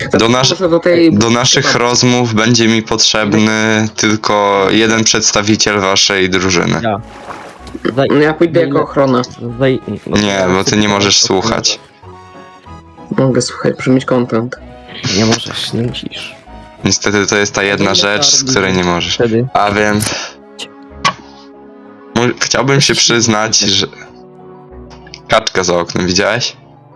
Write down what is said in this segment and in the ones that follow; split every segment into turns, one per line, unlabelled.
Do naszych rozmów będzie mi potrzebny tylko jeden przedstawiciel waszej drużyny.
Ja.
No ja pójdę jako ochrona.
Nie, bo ty nie możesz słuchać.
Mogę słuchać, przymieć content.
Nie możesz, nie musisz.
Niestety to jest ta jedna rzecz, z której nie możesz.
Wtedy.
A więc... Chciałbym się przyznać, że... Kaczka za oknem, widziałeś?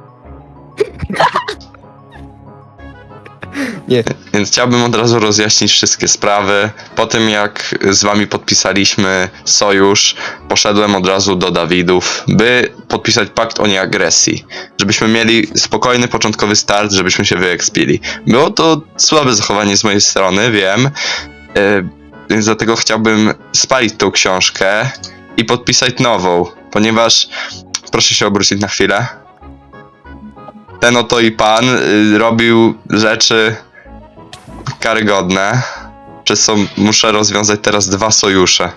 Nie.
Więc chciałbym od razu rozjaśnić wszystkie sprawy. Po tym jak z wami podpisaliśmy sojusz, poszedłem od razu do Dawidów, by podpisać pakt o nieagresji. Żebyśmy mieli spokojny początkowy start, żebyśmy się wyekspili. Było to słabe zachowanie z mojej strony, wiem. Więc dlatego chciałbym spalić tą książkę i podpisać nową, ponieważ... Proszę się obrócić na chwilę. Ten oto i pan robił rzeczy karygodne, przez co muszę rozwiązać teraz 2 sojusze.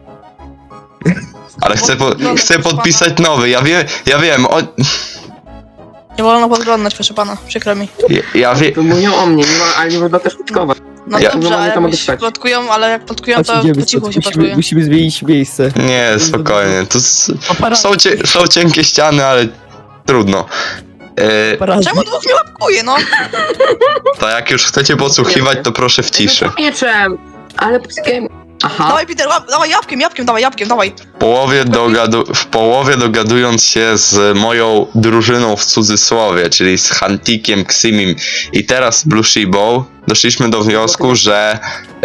Ale chcę podpisać nowy, ja wiem,
Nie wolno podglądać, proszę pana, przykro mi.
ja wiem.
To mówią o mnie, ale nie można też plotkować.
No
Ja-
dobrze, ale
tam
jak
odstać.
plotkują, ale jak plotkują, to po cichu się plotkują.
Musimy zmienić miejsce.
Nie, spokojnie, są cienkie ściany, ale trudno.
Czemu 2 mnie łapkuje, no?
To jak już chcecie podsłuchiwać, to proszę w ciszy.
Mieczem! Ale psykiem... Aha.
Dawaj, Peter, dawaj jabłkiem, dawaj.
W połowie dogadując się z moją drużyną w cudzysłowie, czyli z Hantikiem, Ximim i teraz Blue Shibą, doszliśmy do wniosku, że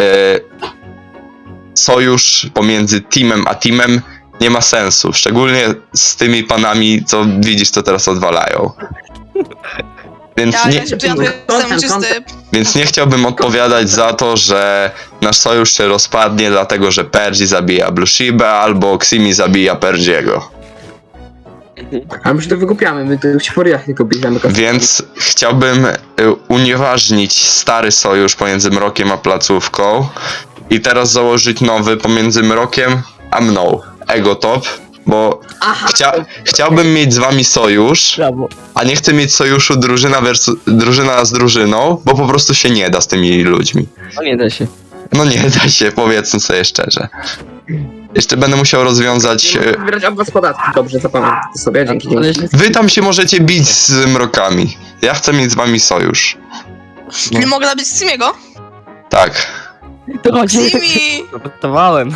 sojusz pomiędzy teamem a teamem nie ma sensu. Szczególnie z tymi panami, co widzisz, co teraz odwalają. Więc nie chciałbym odpowiadać za to, że nasz sojusz się rozpadnie, dlatego że Perzi zabija Blue Shibę albo Ximi zabija Perziego.
A my się to wygłupiamy, my to w furiach tylko bierzemy.
Więc chciałbym unieważnić stary sojusz pomiędzy Mrokiem a placówką i teraz założyć nowy pomiędzy Mrokiem a mną. Egotop, bo chciałbym mieć z wami sojusz,
Brawo.
a nie chcę mieć sojuszu drużyna z drużyną, bo po prostu się nie da z tymi ludźmi.
No nie da się.
No nie da się, powiedzmy sobie szczerze. Jeszcze będę musiał rozwiązać...
Wybierać od was podatki, dobrze, zapamiętam to sobie, dzięki.
Wy tam się możecie bić z mrokami. Ja chcę mieć z wami sojusz.
Nie mogę nabić Simiego?
Tak.
To chodzi.
Simi!
Zapytawałem.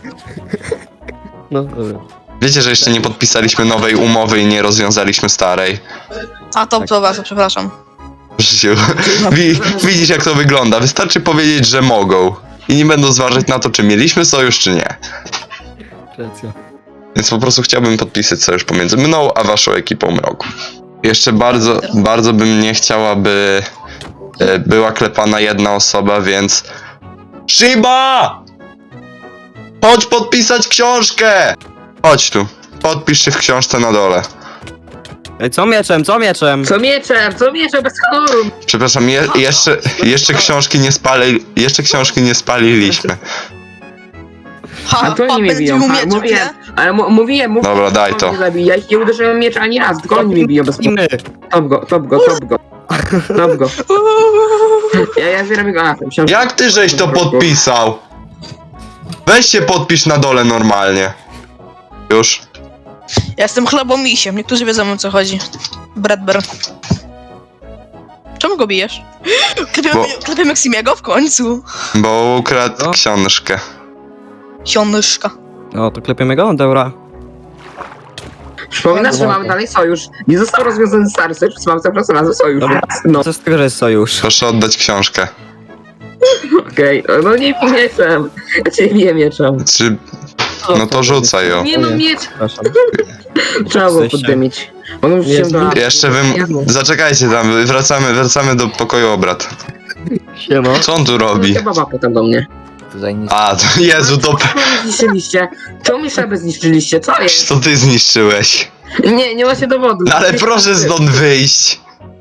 No dobra.
Wiecie, że jeszcze nie podpisaliśmy nowej umowy i nie rozwiązaliśmy starej.
A to bardzo, przepraszam.
Życiu. Widzisz, jak to wygląda. Wystarczy powiedzieć, że mogą. I nie będą zważać na to, czy mieliśmy sojusz, czy nie.
Racja.
Więc po prostu chciałbym podpisać sojusz pomiędzy mną a waszą ekipą mroku. Jeszcze bardzo bym nie chciał, aby była klepana jedna osoba, więc... Shiba! Chodź podpisać książkę! Chodź tu. Podpisz się w książce na dole.
Ej, co mieczem?
Co mieczem, bez honoru!
Przepraszam, jeszcze książki nie spaliliśmy.
A to nie mnie biją, mówiłem, ale mówiłem.
Dobra, daj to.
Nie zabij, ja ich nie uderzyłem miecz ani raz, tylko oni mnie biją bez honoru.
my.
Top go. Ja zbieram jego atem.
Jak ty żeś to podpisał? Weź się podpisz na dole normalnie. Już.
Ja jestem chlebomisiem, niektórzy wiedzą, o co chodzi. Bradber. Czemu go bijesz? Klepiemy Simiego w końcu.
Bo ukradł
Co?
książkę.
Sionyszka.
No to klepiemy go? Dobra.
Przypominam, że mamy dalej sojusz. Nie został rozwiązany stary sojusz, więc mamy cały czas razem sojusz.
Dobra.
No,
Co z tego, że jest sojusz?
Proszę oddać książkę.
okej. No nie bij mieczem. Ja cię biję mieczem.
No to rzucaj ją.
Nie no, miecz.
Przepraszam.
Trzeba było
Jesteście.
poddymić. Mogą się do...
Jeszcze zaczekajcie tam, wracamy do pokoju obrad.
Siema.
Co on tu robi?
Baba potem do mnie.
A, to Jezu, to...
Co mnie zniszczyliście? Czemu mi szabę zniszczyliście? Co jest?
Co ty zniszczyłeś?
Nie ma się dowodu.
No ale proszę stąd wyjść.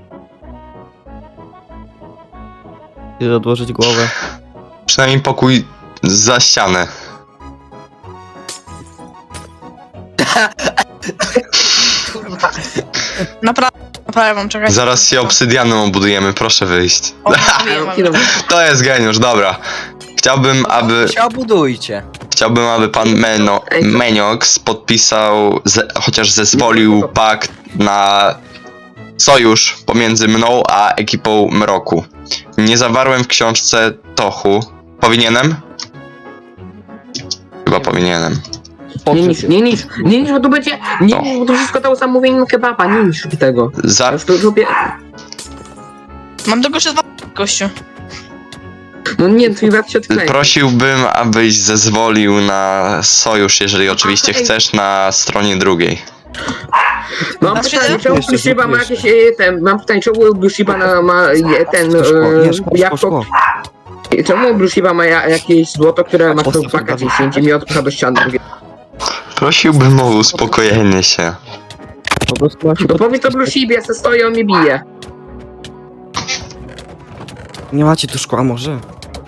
Chcesz odłożyć głowę.
Przynajmniej pokój za ścianę.
Naprawdę naprawiam, czekaj.
Zaraz się obsydianem obudujemy, proszę wyjść.
O, mówiłem,
To jest geniusz, dobra. Chciałbym, aby pan Meniox podpisał, chociaż zezwolił pakt na sojusz pomiędzy mną a ekipą Mroku. Nie zawarłem w książce Tochu. Powinienem? Chyba powinienem.
Nie niż, bo to będzie, bo to wszystko to zamówienie kebaba, nie niż tego.
Za...
Już to lubię.
Mam tylko jeszcze 2 gościu.
No nie, twój brat się odklei.
Prosiłbym, abyś zezwolił na sojusz, jeżeli oczywiście chcesz, na stronie drugiej.
Mam pytanie, czemu
Jeszcze,
Bushiba ma
jeszcze.
jakieś mam pytanie, czemu Bushiba ma ten jabłko, czemu Bushiba ma jakieś złoto, które ma
Postaw
w paka
to
10 i mi odpcha do ściany.
Prosiłbym o uspokojenie się.
Po prostu ma się
To powiedz to Bushibie, ja se stoję, on mnie bije.
Nie macie tu szkła może?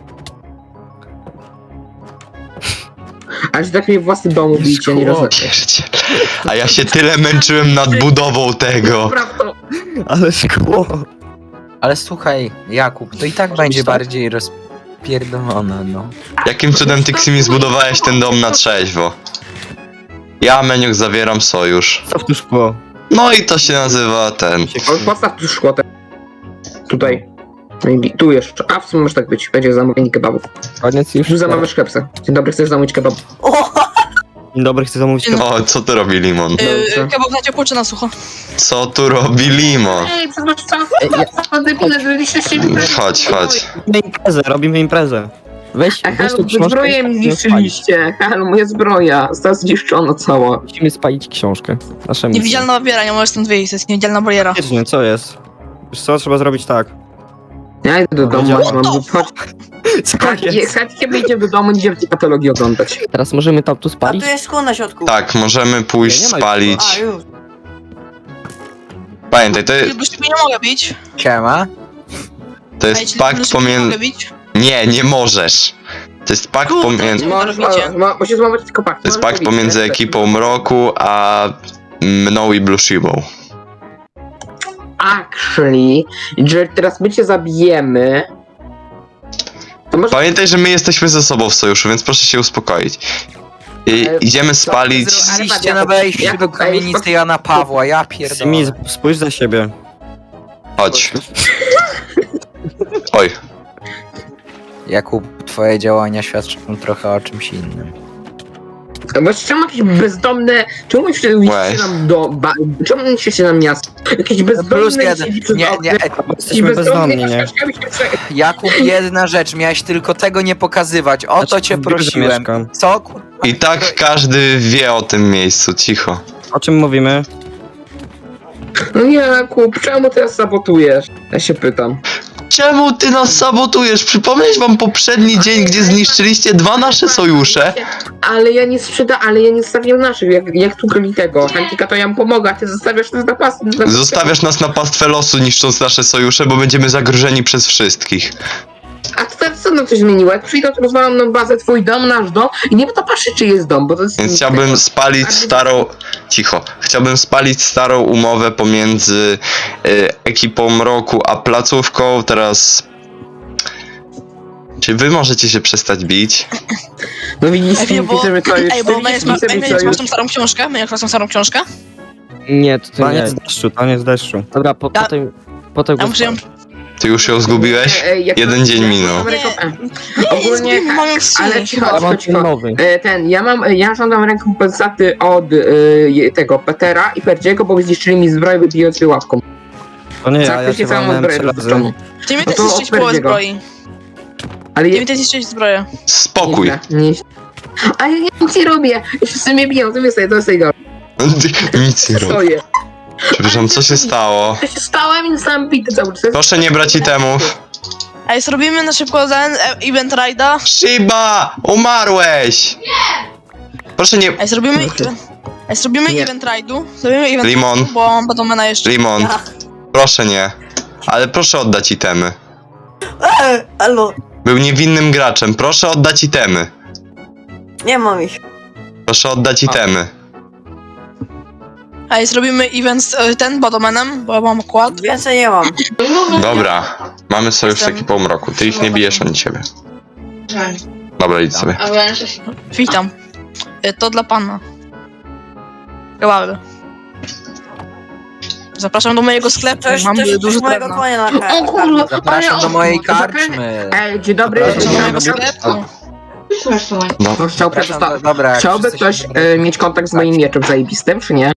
Aż tak mnie w własnym domu bijcie, nie rozumiem.
Pierdziele. A ja się tyle męczyłem nad budową tego.
Prawda.
Ale szkło!
Ale słuchaj, Jakub, to i tak będzie bardziej rozpierdolone, no.
Jakim cudem ty, Ksimi, zbudowałeś ten dom na trzeźwo? Ja, Meniox, zawieram sojusz.
Co w tu szkło?
No i to się nazywa ten...
Postaw tu szkło tutaj. No i tu jeszcze. A w sumie może tak być. Będzie zamówienie kebabu.
Koniec już?
Tu zamawiasz kepsę. Dzień dobry, chcesz zamówić kebab?
Dzień dobry, chcę zamówić
Dzień
kebab.
O, co tu robi Limon?
Dobrze.
Kebab na ciepło czy na sucho?
Co tu robi Limon?
Ej, przepraszam, debile, żebyście się
Chodź.
Robimy imprezę. Weź
Halo,
tu książkę.
zbroję mi
musimy spalić.
zniszczyliście. Halo, moja zbroja. Została zniszczona cała.
Musimy spalić książkę. Naszemu.
Niewidzialna bariera, nie możesz stąd wyjść, to jest niewidzialna bariera.
Faktycznie, co jest? Wiesz co, trzeba zrobić tak.
Ja idę do domu,
Wiedziałem.
mam chodź.
Co
Chodźcie, wyjdziemy do domu, idziemy tej patologii oglądać.
Teraz możemy tam tu
A
spalić?
tu jest szkło na środku.
Tak, możemy pójść
Nie ma
spalić.
A, już.
Pamiętaj,
Już ciebie nie mogę bić.
Siema.
to
Ej,
jest
czyli
pakt
już nie
pomiędzy...
mogę bić?
Nie możesz. To jest pakt
Kurde,
pomiędzy...
Bo się złamać tylko pakt.
To jest pakt pomiędzy ekipą Mroku a mną i Blueshibą.
Actually, jeżeli teraz my cię zabijemy... To może...
Pamiętaj, że my jesteśmy ze sobą w sojuszu, więc proszę się uspokoić.
Ale-
Idziemy spalić...
Ale
Iście na wejściu do kamienicy Jana Pawła, ja
Simi,
pierdolę.
spójrz za siebie.
Chodź. Oj.
Jakub, twoje działania świadczą trochę o czymś innym.
Bo czemu jakieś bezdomne... Czemu myślicie nam do... Czemu myślicie nam miasto? Jakieś
Plus
bezdomne...
jeden.
siedzi przed
Nie,
oknem.
Jesteśmy bezdomni, nie?
Czaszkami się
Jakub, jedna rzecz, miałeś tylko tego nie pokazywać, o to
Znaczy,
cię
w biurze
prosiłem.
mieszkam.
Co? Kurwa?
I tak każdy wie o tym miejscu, cicho.
O czym mówimy?
No nie, Jakub, czemu teraz sabotujesz? Ja się pytam.
Czemu ty nas sabotujesz? Przypomnieć wam poprzedni dzień, gdzie zniszczyliście 2 nasze sojusze?
Ale ja nie zostawiam naszych, jak tu grali tego. Hantika to ja mu pomogę, a ty zostawiasz nas na pas.
Zostawiasz nas na pastwę losu, niszcząc nasze sojusze, bo będziemy zagrożeni przez wszystkich.
A to teraz co nam coś zmieniło? Jak przyjdą, to rozwalam nam bazę, twój dom, nasz dom i nie będę patrzeć, czy jest dom, bo to jest...
Więc chciałbym spalić starą... Cicho. Chciałbym spalić starą umowę pomiędzy ekipą Mroku a placówką. Teraz... Czy wy możecie się przestać bić?
No widzisz,
Ej, bo-
piszemy to już.
Ej, bo Maniac
Piszemy
masz tą starą książkę? Maniac masz tą starą książkę?
Nie, to
Taniec
nie. Taniec deszczu. Dobra,
Ja-
potem
Ja muszę ją...
Ty już ją zgubiłeś? Jeden dzień minął.
Ogólnie,
mam ją
ale cicho,
Ja mam
cicho.
nowy.
Ja żądam rekompensaty od tego Petera i Perdziego, bo zniszczyli mi zbroję, wybijąc je łapką.
To nie, ja
Praktycznie
się
całą
walnąłem
zbroję
3 razy.
wypuszczoną.
Ty mi
No
też
to
zniszczyć połowę
Perdiego.
zbroi.
Ale
Ty mi też zniszczyć zbroję.
Spokój.
nie. Ale ja nic nie robię. Wszyscy mnie biją, to jest tego.
Nic nie rób.
Stoję.
Przepraszam, co się stało?
To się stałem i zostałem bity cały czas.
Proszę nie brać itemów.
Ej, zrobimy na szybko ten event ride'a.
Shiba! Umarłeś! Proszę nie...
Ej, zrobimy... Ej, zrobimy
Nie.
event ride'u. Zrobimy event
Limon.
ride'u, bo mam Badomena jeszcze.
Limon.
Ja.
Proszę nie. Ale proszę oddać itemy.
Albo
Był niewinnym graczem. Proszę oddać itemy.
nie mam ich.
Proszę oddać itemy.
Ej, zrobimy event z ten Bodomanem, bo ja mam kład.
Więcej nie mam.
Dobra, mamy sojusz z ekipą mroku. Ty ich nie bijesz, oni ciebie. Dobra, idź sobie.
Witam. To dla pana. Kebaby. Zapraszam do mojego sklepu, mam dużo
mojego
drewna.
konia na
O kurwa,
Zapraszam do mojej karczmy.
Ej, dzień dobry.
Zapraszam do mojego sklepu.
No,
Chciałby,
Dobra,
chciałby
jak
ktoś
wszyscy się
mieć kontakt z moim mieczem zajebistym, czy nie?